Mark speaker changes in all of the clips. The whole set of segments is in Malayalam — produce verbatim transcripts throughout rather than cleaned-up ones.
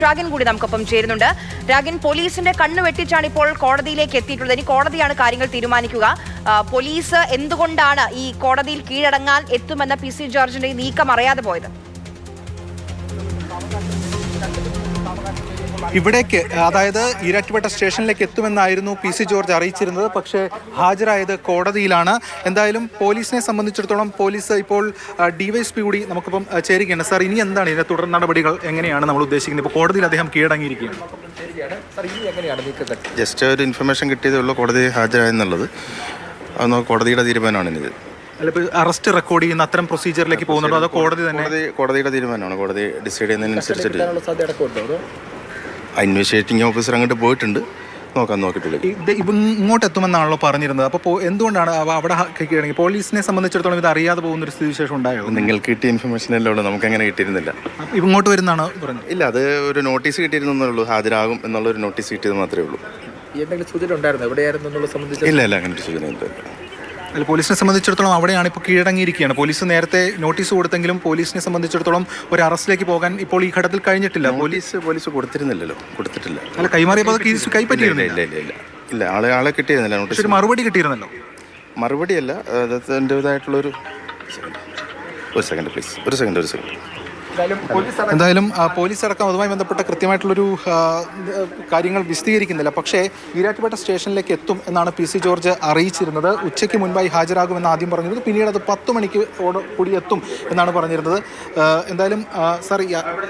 Speaker 1: രാഗൻ കൂടി നമുക്കൊപ്പം ചേരുന്നുണ്ട്. രാഗൻ, പോലീസിന്റെ കണ്ണു വെട്ടിച്ചാണ് ഇപ്പോൾ കോടതിയിലേക്ക് എത്തിയിട്ടുള്ളത്. ഇനി കോടതിയാണ് കാര്യങ്ങൾ തീരുമാനിക്കുക. പോലീസ് എന്തുകൊണ്ടാണ് ഈ കോടതിയിൽ കീഴടങ്ങാൻ എത്തുമെന്ന പി സി ജോർജിന്റെ നീക്കം അറിയാതെ പോയത്?
Speaker 2: ഇവിടേക്ക്, അതായത് ഈരാറ്റുപേട്ട സ്റ്റേഷനിലേക്ക് എത്തുമെന്നായിരുന്നു പി സി ജോർജ് അറിയിച്ചിരുന്നത്. പക്ഷേ ഹാജരായത് കോടതിയിലാണ്. എന്തായാലും പോലീസിനെ സംബന്ധിച്ചിടത്തോളം പോലീസ് ഇപ്പോൾ ഡിവൈഎസ്പി കൂടി നമുക്കിപ്പം ചേരുകയാണ്. സാർ, ഇനി എന്താണ് ഇതിന്റെ തുടർ നടപടികൾ, എങ്ങനെയാണ് നമ്മൾ ഉദ്ദേശിക്കുന്നത്? ഇപ്പോൾ കോടതിയിൽ അദ്ദേഹം കീഴടങ്ങിയിരിക്കുകയാണ്.
Speaker 3: ജസ്റ്റ് ഒരു ഇൻഫർമേഷൻ കിട്ടിയതേ ഉള്ളൂ കോടതി ഹാജരായെന്നുള്ളത്. അതൊന്ന് കോടതിയുടെ തീരുമാനമാണ് ഇത്.
Speaker 2: അറസ്റ്റ് റെക്കോർഡ് ചെയ്യുന്ന അത്തരം പ്രൊസീജിയറിലേക്ക് പോകുന്നുണ്ടോ അതോ കോടതി തന്നെ?
Speaker 3: കോടതിയുടെ തീരുമാനമാണ്. കോടതി ഡിസൈഡ് ചെയ്യുന്നതിനനുസരിച്ചിട്ട് ഇൻവെസ്റ്റിഗേറ്റിംഗ് ഓഫീസർ അങ്ങോട്ട് പോയിട്ടുണ്ട്. നോക്കാൻ നോക്കിയിട്ടില്ല.
Speaker 2: ഇങ്ങോട്ട് എത്തുമെന്നാണല്ലോ പറഞ്ഞിരുന്നത്. അപ്പോൾ എന്തുകൊണ്ടാണ് അവിടെ കീഴടങ്ങി? പോലീസിനെ സംബന്ധിച്ചിടത്തോളം ഇത് അറിയാതെ പോകുന്ന ഒരു സ്ഥിതിവിശേഷം ഉണ്ടായോ?
Speaker 3: നിങ്ങൾക്ക് കിട്ടിയ ഇൻഫർമേഷൻ എല്ലാം ഉള്ളൂ, നമുക്ക് അങ്ങനെ കിട്ടിയിരുന്നില്ല.
Speaker 2: ഇങ്ങോട്ട് വരുന്നതാണ് പറഞ്ഞത്?
Speaker 3: ഇല്ല, അത് ഒരു നോട്ടീസ് കിട്ടിയിരുന്നേ ഉള്ളൂ. ഹാജരാകും എന്നുള്ള ഒരു നോട്ടീസ് കിട്ടിയത് മാത്രമേ ഉള്ളൂ.
Speaker 4: എന്തെങ്കിലും സൂചന ഉണ്ടായിരുന്നു എവിടെയായിരുന്നു എന്നുള്ളത് സംബന്ധിച്ച്?
Speaker 3: ഇല്ല ഇല്ല അങ്ങനെ ഒരു സൂചന ഇല്ല.
Speaker 2: അല്ല, പോലീസിനെ സംബന്ധിച്ചിടത്തോളം അവിടെയാണ് ഇപ്പോൾ കീഴടങ്ങിയിരിക്കുകയാണ്. പോലീസ് നേരത്തെ നോട്ടീസ് കൊടുത്തെങ്കിലും പോലീസിനെ സംബന്ധിച്ചിടത്തോളം ഒരു അറസ്റ്റിലേക്ക് പോകാൻ ഇപ്പോൾ ഈ ഘട്ടത്തിൽ കഴിഞ്ഞിട്ടില്ല.
Speaker 3: പോലീസ് പോലീസ് കൊടുത്തിരുന്നില്ലല്ലോ, കൊടുത്തിട്ടില്ല.
Speaker 2: അല്ല, കൈമാറിയപ്പോൾ കേസ് കൈപ്പറ്റിയിരുന്നില്ല.
Speaker 3: ഇല്ല ഇല്ല ഇല്ല ഇല്ല ആളെ ആളെ കിട്ടിയിരുന്നില്ല. നോട്ടീസ്
Speaker 2: ഒരു മറുപടി കിട്ടിയിരുന്നല്ലോ.
Speaker 3: മറുപടിയല്ല, അതിൻ്റെതായിട്ടുള്ളൊരു ഒരു സെക്കൻഡ് പ്ലീസ് ഒരു സെക്കൻഡ് ഒരു സെക്കൻഡ്
Speaker 2: എന്തായാലും പോലീസ് അടക്കം അതുമായി ബന്ധപ്പെട്ട കൃത്യമായിട്ടുള്ളൊരു കാര്യങ്ങൾ വിശദീകരിക്കുന്നില്ല. പക്ഷേ ഈരാറ്റുപേട്ട സ്റ്റേഷനിലേക്ക് എത്തും എന്നാണ് പി സി ജോർജ് അറിയിച്ചിരുന്നത്. ഉച്ചയ്ക്ക് മുൻപായി ഹാജരാകുമെന്ന് ആദ്യം പറഞ്ഞിരുന്നത്. പിന്നീട് അത് പത്ത് മണിക്ക് കൂടി എത്തും എന്നാണ് പറഞ്ഞിരുന്നത്. എന്തായാലും സാർ,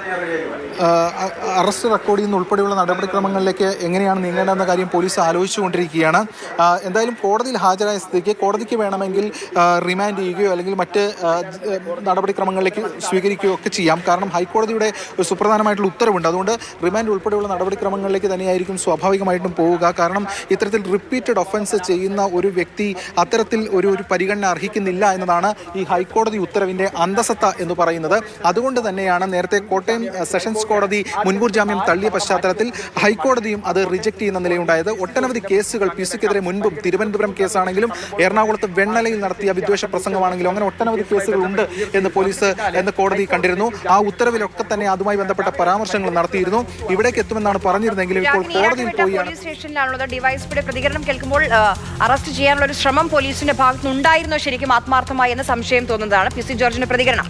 Speaker 2: അറസ്റ്റ് റെക്കോർഡ് ചെയ്യുന്ന ഉൾപ്പെടെയുള്ള നടപടിക്രമങ്ങളിലേക്ക് എങ്ങനെയാണ് നീങ്ങേണ്ടതെന്ന കാര്യം പോലീസ് ആലോചിച്ചുകൊണ്ടിരിക്കുകയാണ്. എന്തായാലും കോടതിയിൽ ഹാജരായ സ്ഥിതിക്ക് കോടതിക്ക് വേണമെങ്കിൽ റിമാൻഡ് ചെയ്യുകയോ അല്ലെങ്കിൽ മറ്റ് നടപടിക്രമങ്ങളിലേക്ക് സ്വീകരിക്കുകയോ ഒക്കെ ചെയ്യാം. കാരണം ഹൈക്കോടതിയുടെ ഒരു സുപ്രധാനമായിട്ടുള്ള ഉത്തരവുണ്ട്. അതുകൊണ്ട് റിമാൻഡ് ഉൾപ്പെടെയുള്ള നടപടിക്രമങ്ങളിലേക്ക് തന്നെയായിരിക്കും സ്വാഭാവികമായിട്ടും പോവുക. കാരണം ഇത്തരത്തിൽ റിപ്പീറ്റഡ് ഒഫൻസ് ചെയ്യുന്ന ഒരു വ്യക്തി അത്തരത്തിൽ ഒരു ഒരു പരിഗണന അർഹിക്കുന്നില്ല എന്നതാണ് ഈ ഹൈക്കോടതി ഉത്തരവിൻ്റെ അന്തസത്ത എന്ന് പറയുന്നത്. അതുകൊണ്ട് തന്നെയാണ് നേരത്തെ കോട്ടയം സെഷൻസ് കോടതി മുൻകൂർ ജാമ്യം തള്ളിയ പശ്ചാത്തലത്തിൽ ഹൈക്കോടതിയും അത് റിജക്ട് ചെയ്യുന്ന നിലയുണ്ടായത്. ഒട്ടനവധി കേസുകൾ പി സിക്കെതിരെ മുൻപും, തിരുവനന്തപുരം കേസാണെങ്കിലും എറണാകുളത്ത് വെണ്ണലയിൽ നടത്തിയ വിദ്വേഷ പ്രസംഗമാണെങ്കിലും അങ്ങനെ ഒട്ടനവധി കേസുകൾ ഉണ്ട് എന്ന് പോലീസ് എന്ന് കോടതി കണ്ടിരുന്നു. ആ ഉത്തരവിലൊക്കെ തന്നെ അതുമായി ബന്ധപ്പെട്ട പരാമർശങ്ങൾ നടത്തിയിരുന്നു. ഇവിടേക്ക് എത്തുമെന്നാണ് പറഞ്ഞിരുന്നെങ്കിലും ഇപ്പോൾ കോടതിയിൽ പോയി
Speaker 1: സ്റ്റേഷനിലാണുള്ളത്. ഡിവൈഎസ്പിയുടെ പ്രതികരണം കേൾക്കുമ്പോൾ അറസ്റ്റ് ചെയ്യാനുള്ള ഒരു ശ്രമം പോലീസിന്റെ ഭാഗത്തു നിന്നുണ്ടായിരുന്നോ ശരിക്കും ആത്മാർത്ഥമായി എന്ന് സംശയം തോന്നുന്നതാണ് പി സി ജോർജിന്റെ പ്രതികരണം.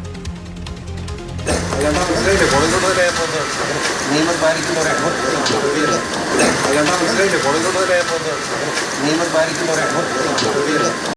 Speaker 5: നിയമം പാലിക്കുന്നവരാണ്